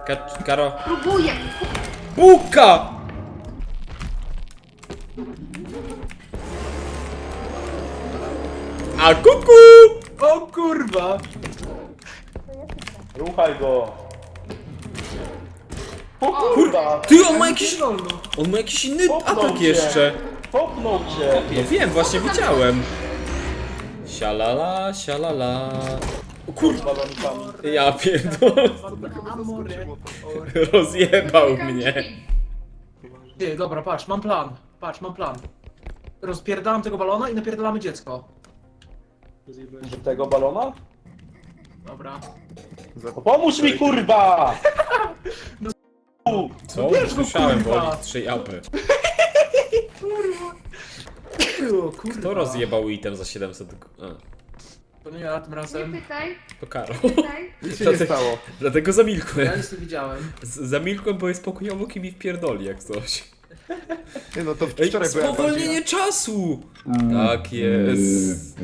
Karo. Próbuję! Buka! A kuku! O kurwa! Ruchaj go! O kurwa! Ty, on ma jakiś inny Popnął atak cię. jeszcze. Popnął cię! No wiem, właśnie widziałem. Sialala, sialala. O kurwa, Balonkami. ja pierdolę. Rozjebał mnie. Ty, dobra, patrz, mam plan. Patrz, mam plan. Rozpierdalam tego balona i napierdalamy dziecko. Do tego balona? Dobra. To pomóż mi kurwa! Co? Wiesz, no Słyszałem, kurwa. boli 3 apy. O, kurwa. Kto rozjebał item za 700? A, To nie ja tym Nie razem. pytaj, to Karo. pytaj. Nic się nie stało. Dlatego Ja zamilkłem. nic nie widziałem. Zamilkłem, bo jest pokojowo i mi wpierdoli jak coś. Nie no, to Ej, wczoraj byłem spowolnienie czasu! Tak jest.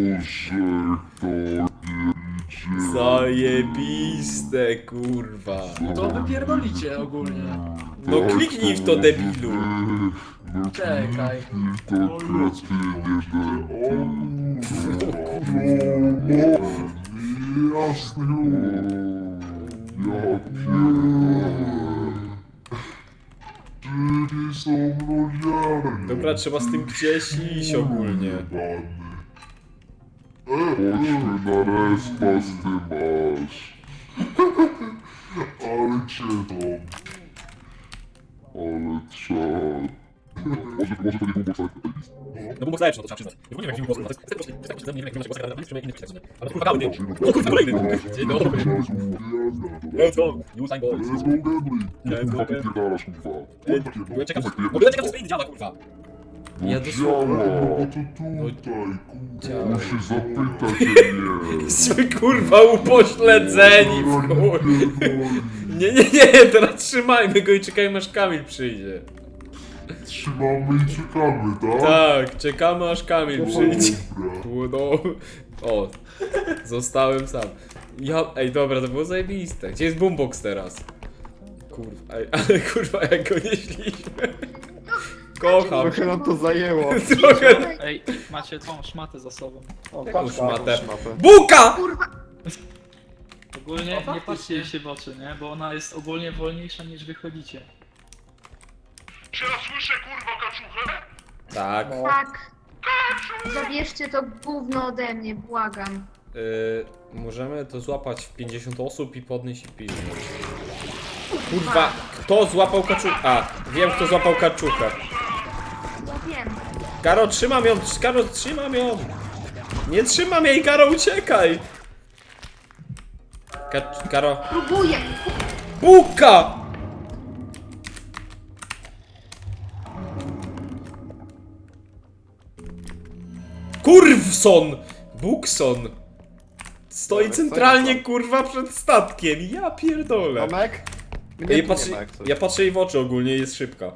Zajebiste, kurwa. To wypierdolicie ogólnie. No kliknij w to, debilu. Czekaj. Dobra, trzeba z tym gdzieś iść ogólnie. Chodźmy na respa z tym masz. Ale cię dom. Ale czad. Może to nie był boxer. No bo zajesz, no to trzeba przyznać. Nie wiem jak film nie wiem jak ale kurwa gały, no kurwa kolejny. Dzień dobry. Let's go, you sign boys. Let's go gambling. Let's go, Kurwa, pierdalasz kurwa. Byłem ciekaw, no byłem ciekaw, co działa, kurwa. Ja dosłownie... No to tutaj, kurwa. Musisz zapytać mnie. Jesteśmy kurwa upośledzeni w chuj. Nie, teraz trzymajmy go i czekajmy aż Kamil przyjdzie. Trzymamy i czekamy, tak? Tak, czekamy aż Kamil przyjdzie. Dobra. No, o, zostałem sam. Ej, dobra, to było zajebiste. Gdzie jest boombox teraz? Kurwa, ej, ale kurwa jak go nieśliśmy. Kocham. Trochę nam to zajęło. Trochę. Ej, macie tą szmatę za sobą. O, Już matę. Szmatę. Buka! Ogólnie O, nie faktycznie. patrzcie jej się w oczy, nie? Bo ona jest ogólnie wolniejsza niż wychodzicie. Czy ja słyszę kurwa kaczuchę? Tak. Tak. Zabierzcie to gówno ode mnie, błagam. Możemy to złapać w 50 osób i podnieść i pilnąć. Kurwa, kto złapał kaczuchę? A, wiem kto złapał kaczuchę. Ja wiem. Karo, trzymam ją, Karo, trzymam ją. Nie trzymam jej, Karo, uciekaj. Karo. Próbuję! Buka! Kurwson! Bukson! Stoi centralnie, kurwa, przed statkiem. Ja pierdolę. Tomek? Mnie Ja tu patrzę, nie ma jak coś. ja patrzę jej w oczy ogólnie, jest szybka.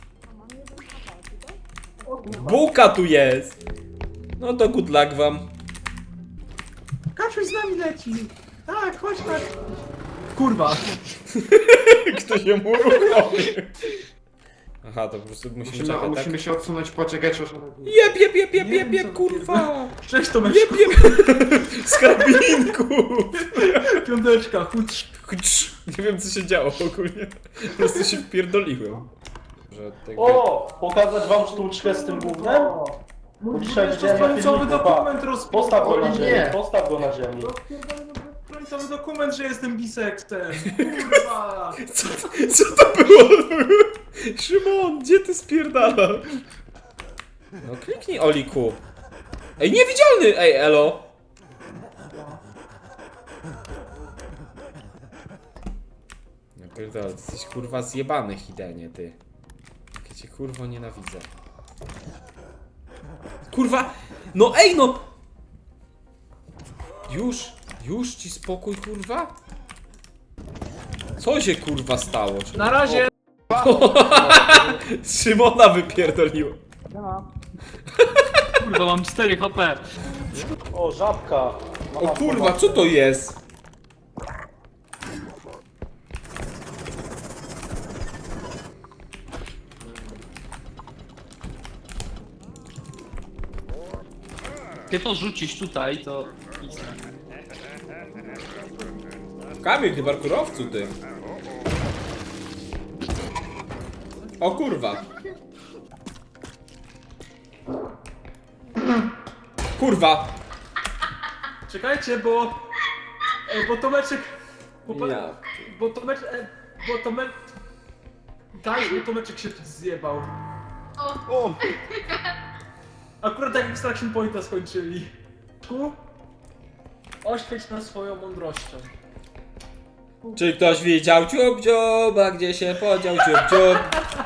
Buka tu jest! No to good luck wam. Kaczuś z nami leci! Tak, chodź tak! Kurwa! Kto się mu uruchomił? Aha, to po prostu musimy Musimy, czekać, tak? musimy się odsunąć, poczekać aż... Jeb, kurwa! Cześć Tomeczku! Jeb! Z karabinku! Piąteczka, chudź! Nie wiem co się działo ogólnie. Po prostu się wpierdoliłem. Że tego... O! Pokazać wam sztuczkę z tym gównem? Dzisiaj Wiesz, to widziałem na końcowy filmiku, dokument Postaw go na O, nie. ziemi, postaw go na ziemi. Końcowy dokument, że jestem biseksem! Kurwa! Co to było? Szymon, gdzie ty spierdalasz? No kliknij Oliku. Ej, niewidzialny! Ej, elo! No pierdolę, ty jesteś kurwa zjebany, Hidenie, ty. Jak ja cię kurwa nienawidzę. Kurwa! No ej, no! Już ci spokój, kurwa? Co się kurwa stało? Na razie! Szymona wypierdoliło. Kurwa, mam 4 HP. O, żabka! O kurwa, co to jest? Ty to rzucisz tutaj, to... Kamil, ty parkurowcu, ty. O kurwa. Kurwa. Czekajcie, bo Tomeczek... Ja. Bo Tomeczek się zjebał. O! Akurat jak Extraction Pointa skończyli. Oświeć nas swoją mądrością. Czy ktoś widział dziób dziób, a gdzie się podział dziób dziób?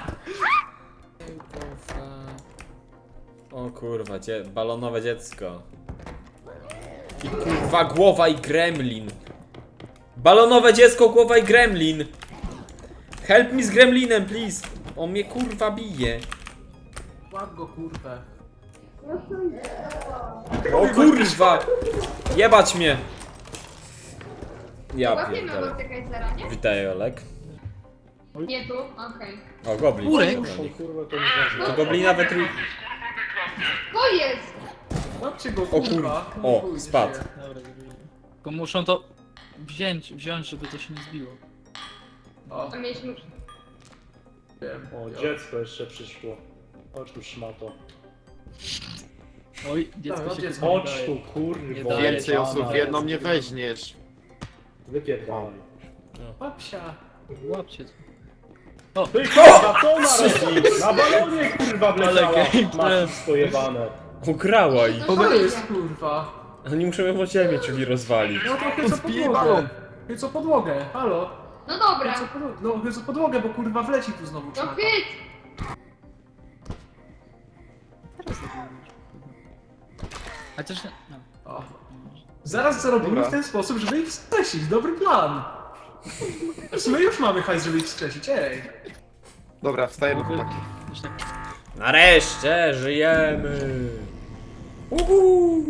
O kurwa, balonowe dziecko. I kurwa głowa i gremlin. Balonowe dziecko, głowa i gremlin. Help me z gremlinem, please. On mnie kurwa bije. Łap go, kurwę. O kurwa! Jebać mnie! Ja Łapiemy pierdolę. Mordekaisera, nie? Witaj, Olek. Nie tu? Okej. O, goblin. Kurek. Kurwa, to nie To goblina we trój... To jest! Łapcie go, O kurwa. kurwa. O, Chuj, spadł. żyje. Dobra, tylko muszą to wziąć, żeby to się nie zbiło. O, A mieliśmy... wiem. O, dziecko jeszcze przyszło. Chodź tu, szmato. Oj, dziecko no, się dziecko. chyba Chodź nie tu, daje. kurwa. daje. Więcej osób w jedną nie weźmiesz. Wypierdalaj. Łapsia. Łapcie to. Ty kurwa, co ona robi? Na balonie kurwa wleciała. Ale Masz pojebane. Ukrała ich. To To jest, kurwa. Oni muszą ją o ziemię, czyli rozwalić. No to chyba podłogę. Chyba podłogę, halo. No dobra. No chyba podłogę, bo kurwa wleci tu znowu. No szmata. hyt! Chociaż nie... No. O. Zaraz zarobimy Dobra. w ten sposób, żeby ich wskrzesić. Dobry plan. W sumie już mamy hajs, żeby ich wskrzesić, ej. Dobra, wstajemy chłopaki. Już tak... Nareszcie żyjemy! Uhu.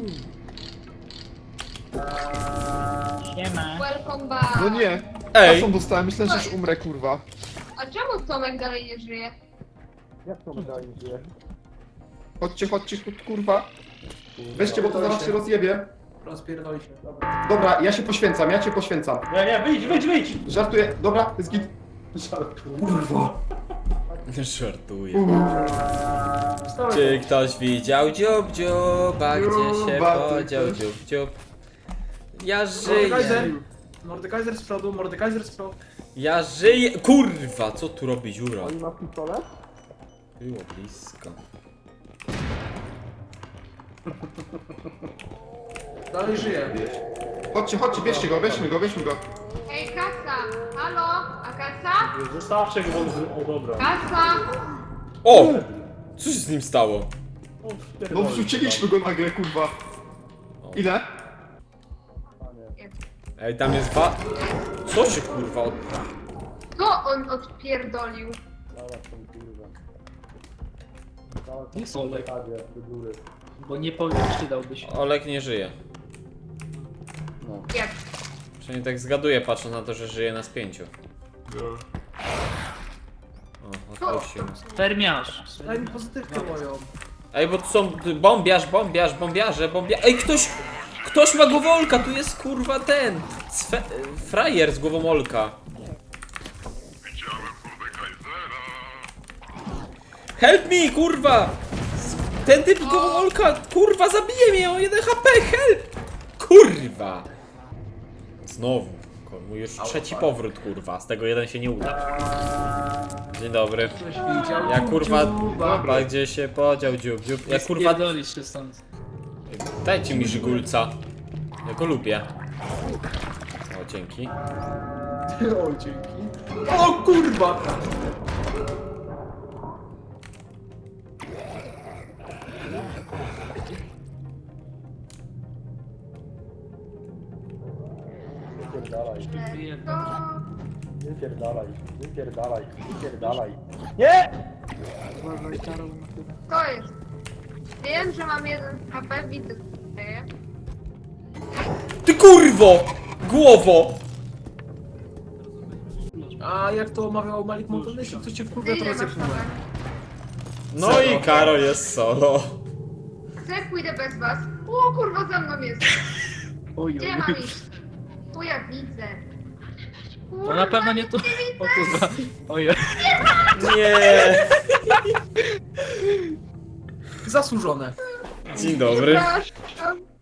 Siema. Welcome back. No nie! Ej! Kasą dostałem, myślę, że już umrę, kurwa. A czemu Tomek dalej nie żyje? Jak to wydaje się? Chodźcie, chodźcie, kurwa. Weźcie, bo to zaraz się rozjebie. Rozpierdoli się. Dobra, ja się poświęcam, ja cię poświęcam. Nie, wyjdź! Żartuję, dobra, jest git. Kurwa. Żartuję. Wstałeś. Czy ktoś widział dziób dziób, a gdzie się Dziuba, podział ty dziób dziób? Ja żyję. Mordekaiser z przodu, Mordekaiser z przodu. Ja żyję. Kurwa, co tu robi dziura? Oni ma pistolet? Było blisko. Dalej żyje. Chodźcie, chodźcie, bierzcie go, weźmy go, weźmy go. Ej, kasa! Halo? A kasa? Zostawcie go, o dobra. Kasa! O! Co się z nim stało? No wrzuciliśmy go nagle, kurwa. Ile? Ej, tam jest Co się kurwa od... Co on odpierdolił? Jest Olek. Bo nie powiem, czy dałby się. Olek nie żyje. Jak? Przynajmniej tak zgaduję, patrząc na to, że żyje na spięciu. O, odpuścił. Fermiarz. Daj mi pozytywkę moją. Ej, bo tu są bombiarze. Ej, ktoś ma głowolka, tu jest kurwa ten. Frajer z głową Olka. Help me, kurwa! Ten typ z głową Olka, kurwa, zabije mnie, o 1 HP, help! Kurwa! Znowu. Mój już trzeci powrót, kurwa, z tego jeden się nie uda. Dzień dobry. Ktoś widział. Ja kurwa, dziuba. a gdzie się podział dziób. Ja kurwa, Pierdolisz się stąd. dajcie mi żygulca. Ja go lubię. O, dzięki. O, dzięki. O kurwa! Wypierdalaj, To... wypierdalaj. Nie! To jest. Wiem, że mam 1 HP, widzę co się dzieje. Ty kurwo! Głowo! A jak to omawiał Malik Montanesi, to cię wkurwia, to Ile masz rozepnąłem. HP? No i Karol jest solo. Co jak pójdę bez was? O kurwa, za mną jest. Oj, Gdzie oj. mam iść? Tu ja widzę. No na pewno nie tu. O kurwa. Ojej. Nie! Zasłużone. Dzień dobry. Przepraszam.